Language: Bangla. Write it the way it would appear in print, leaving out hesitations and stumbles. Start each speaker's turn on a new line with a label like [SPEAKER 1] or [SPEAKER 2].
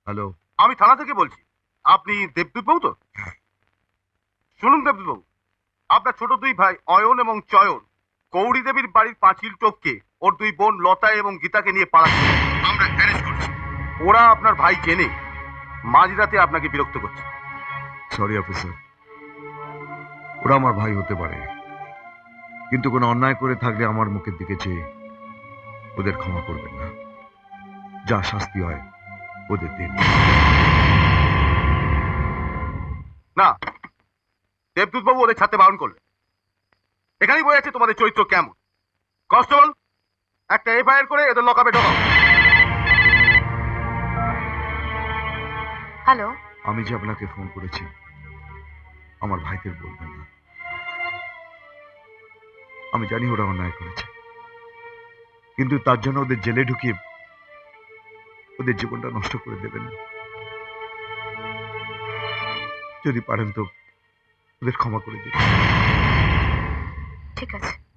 [SPEAKER 1] হ্যালো।
[SPEAKER 2] আমি থানা থেকে বলছি। আপনি দেবদূত বাবু তো? শুনুন দেবদূত বাবু, আপনার ছোট দুই ভাই অয়ন এবং চয়ন গৌরী দেবীর বাড়ির পাঁচিল টপকে ওর দুই বোন লতা এবং গীতাকে নিয়ে পালাচ্ছে। আমরা অ্যারেস্ট করছি। ওরা আপনার ভাই জেনে মাঝরাতে আপনাকে বিরক্ত করছে।
[SPEAKER 1] সরি অফিসার, ওরা আমার ভাই হতে পারে, কিন্তু কোনো অন্যায় করে থাকলে আমার মুখের দিকে চেয়ে ওদের ক্ষমা করবেন না। যা শাস্তি হয় ওদের দিন।
[SPEAKER 2] না, দেবদূত বাবু ওদের ছাড়তে বারণ করলেন। এখানেই বই আছে তোমাদের চরিত্র কেমন। কনস্টেবল, একটা এফআইআর করে এদের লকআপে ঢোকাও।
[SPEAKER 3] হ্যালো।
[SPEAKER 1] আমি যে আপনাকে ফোন করেছি আমার ভাইদের বলবেন না। আমি জানি ওরা অন্যায় করেছে, কিন্তু তার জন্য ওদের জেলে ঢুকিয়ে ওদের জীবনটা নষ্ট করে দেবেন না। যদি পারেন তো ওদের ক্ষমা করে দিন।
[SPEAKER 3] ঠিক আছে।